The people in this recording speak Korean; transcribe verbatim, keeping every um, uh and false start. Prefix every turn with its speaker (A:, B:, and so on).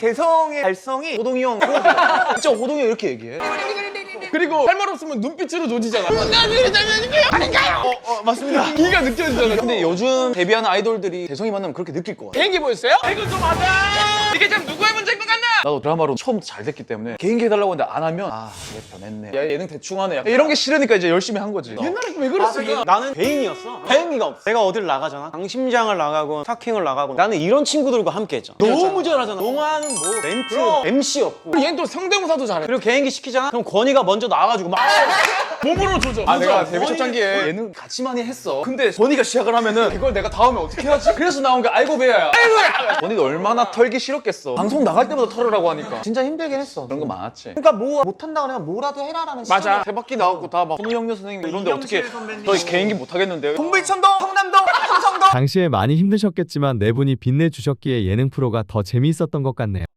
A: 개성의 발성이 호동이 형 진짜 호동이 형 이렇게 얘기해.
B: 그리고 할 말 없으면 눈빛으로 조지잖아. 아닌가요?
A: 어, 어 맞습니다.
B: 기가 느껴지잖아.
A: 근데 요즘 데뷔하는 아이돌들이 개성이 만나면 그렇게 느낄 것 같아.
B: 개인기 보였어요? 이거 좀 하자. 이게 참 누구의 문제인 것 같나?
A: 나도 드라마로 처음부터 잘 됐기 때문에 개인기 해달라고 했는데 안 하면 아 얘 변했네, 야 예능 대충 하네, 약간 이런 게 싫으니까 이제 열심히 한 거지.
B: 옛날에 왜 그랬을까?
C: 나는 배인이었어. 배인기가 없어. 내가 어딜 나가잖아. 강심장을 나가고 스타킹을 나가고 나는 이런 친구들과 함께 했잖아. 너무 잘하잖아. 동화는 뭐 멘트, 엠씨였고.
B: 얘는 또 성대모사도 잘해.
C: 그리고 개인기 시키잖아. 그럼 권희가 먼저 나와가지고 막
B: 몸으로 조져.
A: 아 내가
B: 맞아.
A: 데뷔 초창기에 예능 같이 많이 했어. 근데 본이가 시작을 하면은 이걸 내가 다음에 어떻게 하지? 그래서 나온 게 아이고 배야야. 본이가 얼마나 털기 싫었겠어. 방송 나갈 때마다 털으라고 하니까 진짜 힘들긴 했어. 그런 거 많았지.
C: 그러니까 뭐 못한다 그러면 뭐라도 해라라는
B: 맞아.
A: 세 바퀴 나왔고 다 막 손우영녀 선생님 이런데 어떻게 저 개인기 못 하겠는데.
C: 동불천동, 성남동, 삼성동.
D: 당시에 많이 힘드셨겠지만 네 분이 빛내주셨기에 예능 프로가 더 재미있었던 것 같네요.